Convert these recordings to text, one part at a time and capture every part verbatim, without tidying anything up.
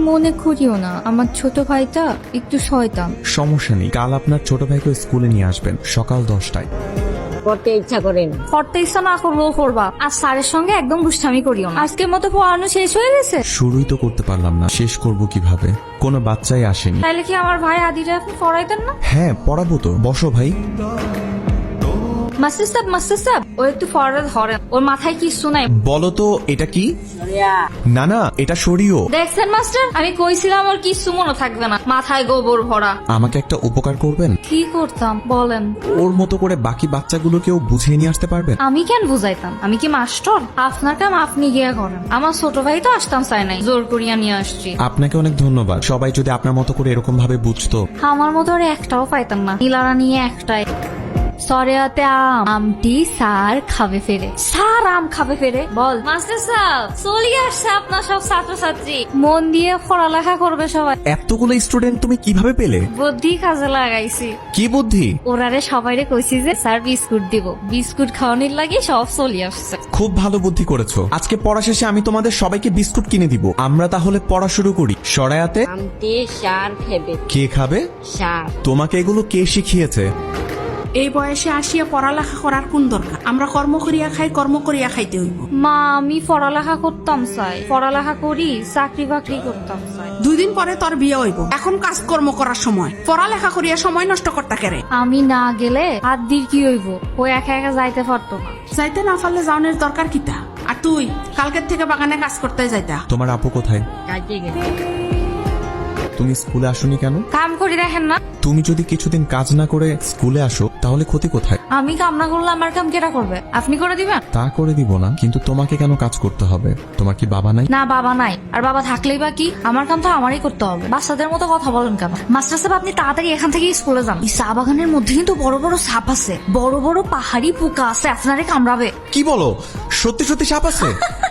মনে করিও না, আমার ছোট ভাইটা একটু শয়তান। সমস্যা নেই, কাল আপনার ছোট ভাইকে স্কুলে নিয়ে আসবেন সকাল দশটায়। করতে ইচ্ছা করেন, পড়তে ইচ্ছা না করলেও করবা। আর স্যারের সঙ্গে একদম দুষ্টামি করিও না। আজকের মতো পড়ানো শেষ হয়ে গেছে। শুরুই তো করতে পারলাম না, শেষ করব কিভাবে? কোনো বাচ্চাই আসেনি। তাইলে কি আমার ভাই আদিরা আপনি পড়াইতেন না? হ্যাঁ পড়াবো তো, বসো ভাই। মাস্টার সাহেব, মাস্টার সাহেব, ও একটু ফরওয়ার্ড ধরেন, ওর মাথায় কিছু নাই। বলো তো এটা কি? না না, এটা সরিও। দেখছেন মাস্টার, আমি কইছিলাম ওর কিছু মনে থাকবে না, মাথায় গোবর ভরা। আমাকে একটা উপকার করবেন? কি করতাম বলেন? ওর মতো করে বাকি বাচ্চাগুলোকেও বুঝিয়ে নিয়ে আসতে পারবেন? আমি কেন বুঝাইতাম? আমি কি মাস্টার? আপনার কাম আপনি গিয়া করেন। আমার ছোট ভাই তো আসতাম চাই নাই, জোর করিয়া নিয়ে আসছি। আপনাকে অনেক ধন্যবাদ। সবাই যদি আপনার মতো করে এরকম ভাবে বুঝতো। আমার মতো আর একটাও পাইতাম না, নীলারা নিয়ে একটাই। সরেয়াতে আম আমটি স্যার খাবে ফেরে, স্যার আম খাবে ফেরে। বল মাস্টার সাহেব, চলে আসছে আপনার সব ছাত্রছাত্রী, মন দিয়ে পড়ালেখা করবে সবাই। এতগুলো স্টুডেন্ট তুমি কিভাবে পেলে? বুদ্ধি কাজে লাগাইছি। কি বুদ্ধি? ওরারে সবাইরে কইছি যে স্যার বিস্কুট দিব, বিস্কুট খাওয়ানোর লাগি সব চলে আসছে। খুব ভালো বুদ্ধি করেছো। আজকে পড়া শেষে আমি তোমাদের সবাইকে বিস্কুট কিনে দিব। আমরা তাহলে পড়া শুরু করি। সরায়াতে আমতে সার খেবে, কে খাবে? সার। তোমাকে এগুলো কে শিখিয়েছে? এই বয়সে আসিয়া পড়ালেখা করার কোন দরকার? আমরা কর্ম করিয়া খাই, কর্ম করিয়া খাইতে হইব। মা, আমি পড়ালেখা করতাম চাই, পড়ালেখা করি, চাকরি বাকরি করতাম চাই। দুই দিন পরে তোর বিয়ে হইব, এখন কাজকর্ম করার সময়, পড়ালেখা করিয়া সময় নষ্ট করতে কেরে। আমি না গেলে আদির কি হইব? ও একা একা যাইতে পারতো না। যাইতে না পারলে যাওনের দরকার কিতা? আর তুই কালকের থেকে বাগানে কাজ করতে যাইতা। তোমার আপু কোথায়? কাজে গেছে। তুমি স্কুলে আসোনি কেন? কাম করি দেখেন না? তুমি যদি কিছুদিন কাজ না করে স্কুলে আসো তাহলে ক্ষতি কোথায়? আমি কাম না করলে আমার কাম কেটা করবে? আপনি করে দিবেন? তা করে দিব না, কিন্তু তোমাকে কেন কাজ করতে হবে? তোমার কি বাবা নাই? না, বাবা নাই। আর বাবা থাকলেই বা কি, আমার কাম তো আমারই করতে হবে। বাচ্চাদের মতো কথা বলেন কেন? মাস্টার সাহেব, আপনি তাড়াতাড়ি এখান থেকে স্কুলে যান। এই চা বাগানের মধ্যে কিন্তু বড় বড় সাপ আছে, বড় বড় পাহাড়ি পোকা আছে, আপনারে কামড়াবে। কি বলো? সত্যি সত্যি সাপ আছে?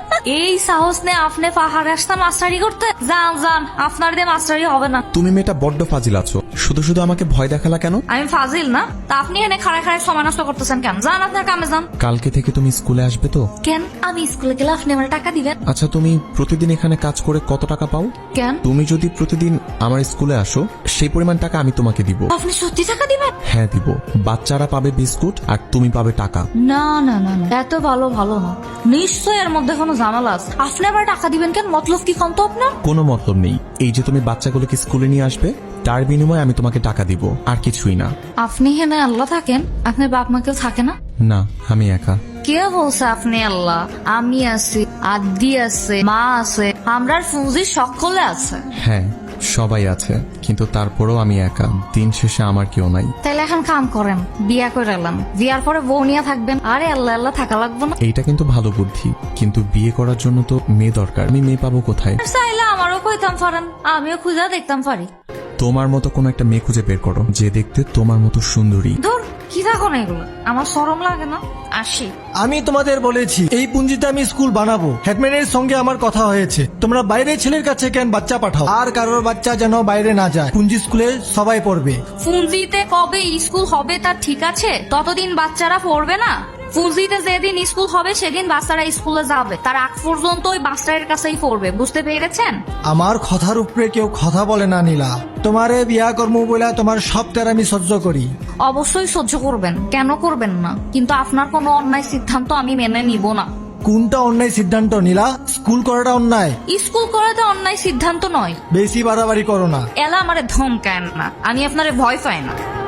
এই সাহস নে আপনি পাহাড়ে আসতে মাস্টারি করতে? যান যান, আপনার দিয়ে মাস্টারি হবে না। তুমি মেয়েটা বড্ড ফাজিল আছো, শুধু শুধু আমাকে ভয় দেখালা কেন? আমি ফাজিল না? তা আপনি এনে খাড়ায় খাড়ায় সময় নষ্ট করতেছেন কেন? যান আপনার কামে যান। কালকে থেকে তুমি স্কুলে আসবে তো? কেন? আমি স্কুলে গেলে আপনি আমার টাকা দিবেন? আচ্ছা, তুমি প্রতিদিন এখানে কাজ করে কত টাকা পাও? কেন? তুমি যদি প্রতিদিন আমার স্কুলে আসো সেই পরিমাণ টাকা আমি তোমাকে দিব। আপনি সত্যি টাকা দিবেন? হ্যাঁ দিব। বাচ্চারা পাবে বিস্কুট আর তুমি পাবে টাকা। না না না না, এত ভালো ভালো না, নিশ্চয় এর মধ্যে কোনো ঝামেলা আছে। আপনি আবার টাকা দিবেন কেন? মতলব কি কম তো আপনার? কোনো মতলব নেই। এই যে তুমি বাচ্চাগুলোকে স্কুলে নিয়ে আসবে, তার বিনিময়ে আমি তোমাকে টাকা দিব, আর কিছুই না। আপনি হেনে আল্লাহ থাকেন, আপনার বাপ মা কেউ থাকে না? না, আমি একা। কে বলছে আপনি আল্লাহ? আমি আছি, আদি আছে, মা আছে, আমরার ফুজি সকলে আছে। হ্যাঁ সবাই আছে, কিন্তু তারপরেও আমি একা। দিন শেষে আমার কেউ নাই। তাইলে এখন কাম করেন, বিয়া করে এলাম, বিয়ার পরে বউ নিয়ে থাকবেন। আরে আল্লাহ আল্লাহ থাকা লাগবে না? এইটা কিন্তু ভালো বুদ্ধি, কিন্তু বিয়ে করার জন্য তো মেয়ে দরকার। আমি মেয়ে পাবো কোথায়? চাইলে আমারও কইতাম পারেন, আমিও খুঁজা দেখতাম পারি। তোমার মতো কোন একটা মেয়ে খুঁজে বের করো যে দেখতে তোমার মতো সুন্দরী। ধর, কি থাকো না এগুলো, আমার শরম লাগে না? আসি। আমি তোমাদের বলেছি এই পুঞ্জিতে আমি স্কুল বানাবো। হেডম্যানের সঙ্গে আমার কথা হয়েছে, তোমরা বাইরে ছেলের কাছে কেন বাচ্চা পাঠাও? আর কারোর বাচ্চা যেন বাইরে না যায়। পুঞ্জি স্কুলে সবাই পড়বে। ফুঞ্জিতে কবে স্কুল হবে তা ঠিক আছে, ততদিন বাচ্চারা পড়বে না। ফুজিতে যেদিন স্কুল হবে সেদিন বাচ্চারা স্কুলে যাবে, তার আগ পর্যন্ত ওই মাস্টারের কাছেই পড়বে, বুঝতে পেরেছেন? আমার কথার উপরে কেউ কথা বলে না নীলা। তোমারে বিয়া কর্ম বলে তোমার সব তের আমি সহ্য করি। অবশ্যই সহ্য করবেন, কেন করবেন না? কিন্তু আপনার কোনো অন্যায় সিদ্ধান্ত আমি মেনে নিব না। কোনটা অন্যায় সিদ্ধান্ত নীলা? স্কুল করাটা অন্যায়? স্কুল করাতে অন্যায় সিদ্ধান্ত নয়। বেশি বাড়াবাড়ি করো না। এলা আমারে ধমকায় না, আমি আপনারে ভয় পাই না।